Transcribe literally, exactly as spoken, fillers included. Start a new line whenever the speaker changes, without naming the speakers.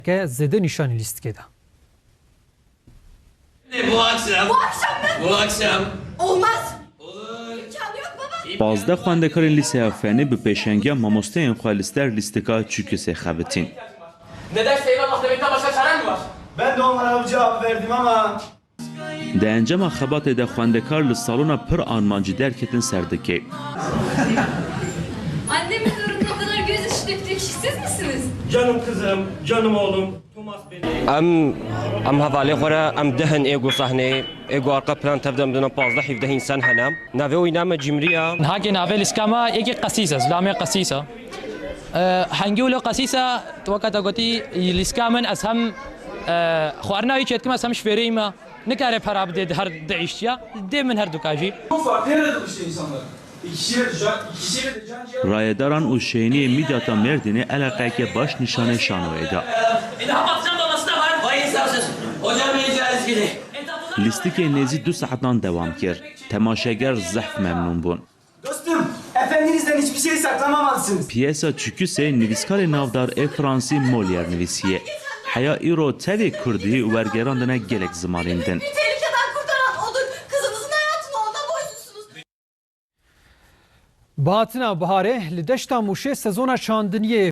که زده نشانی لیست کده.
Bu akşam.
Bu akşam mı?
Bu akşam.
Olmaz.
Olur.
İmkanı yok baba.
Bazda xwendekarên lîseya Fenî bi pêşengiya mamosteyên xwe li ster lîstika çûkisê xebitin.
Neden Seyran Mahmed'den başka çaren mi var?
Ben de onlara bu cevap verdim ama
Di encama xebatê de xwendekar li salona pir armancî derketin serdikê.
Annemin uğruna o kadar gözyaşı döktüğü kişi siz misiniz?
canım kızım, canım oğlum, Thomas beni.
ام ام هفالي خورا ام دهن ايجو صحني ايجو ارقى بلان تبدا بدنا بازده حفظه انسان هنام نافوي نام جمريا
هاكي نافل اسكاما يجي قسيسة زلامي قسيسة أه حنقوله قسيسة توقعت قوتي الاسكامن اسهم أه خوارنا يشيت كما اسهم شفيريما نكاره para de her değiştiya de min her dukajı.
Bu farklı yaradı işte insanlar. İkisiyle de can, ikisiyle de can ciğer.
Rayedaran û şehniyê Midyata Merdinê eleqeke baş nîşanê şanoyê da.
İlham atacağım babası da var. Vay insafsız. Hocam beni caiz gidi.
Lîstikê nêzî du saetan devam kir. Temaşeger zehf memnûn bûn.
Dostum, efendinizden hiçbir şey saklamamalısınız.
Piyesa çûkisê nivîskarê navdar ê Fransî Molière nivîsiye. Heya îro tevê Kurdî û wergerandine gelek zimanên din.
Bir tehlikeden kurtaran odur. Kızınızın hayatını ondan boysunsunuz.
Bahatina Baharê li deşta Mûşê sezona çandiniyê